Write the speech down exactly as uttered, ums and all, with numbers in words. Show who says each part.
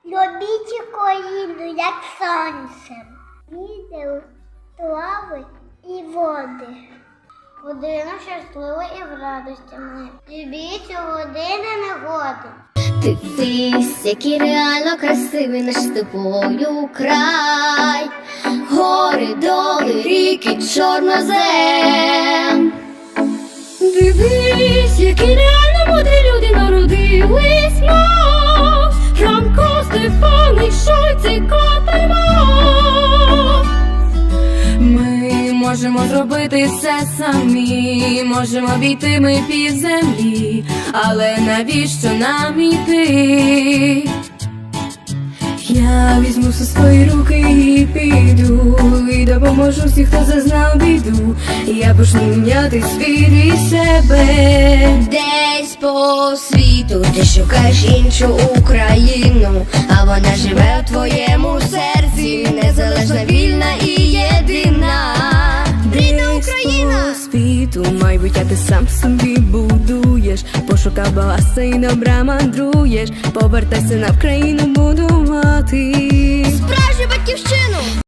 Speaker 1: Любіть Україну, як сонцем. Вітер, трави і води. Година щаслива і в радості ми. Любіть у години негоди.
Speaker 2: Дивись, який реально красивий наш з тобою край. Гори, доли, ріки, чорнозем. Дивись, які реально мудрі люди народились мов. Франко, Стефаник, Шойц і Котельмов.
Speaker 3: Ми можемо зробити все самі, можемо війти ми під землі, але навіщо нам іти? Я візьму все свої руки і піду, і допоможу всім, хто зазнав біду. Я почну міняти світ і себе.
Speaker 2: Десь по світу ти шукаєш іншу Україну, а вона живе в твоєму серці, незалежна, вільна і єдина. Рідна Україна!
Speaker 3: По світу майбуття ти сам собі будуєш, пошукав багатства і добра мандруєш. Повертайся на Вкраїну будувати
Speaker 2: Справжню батьківщину!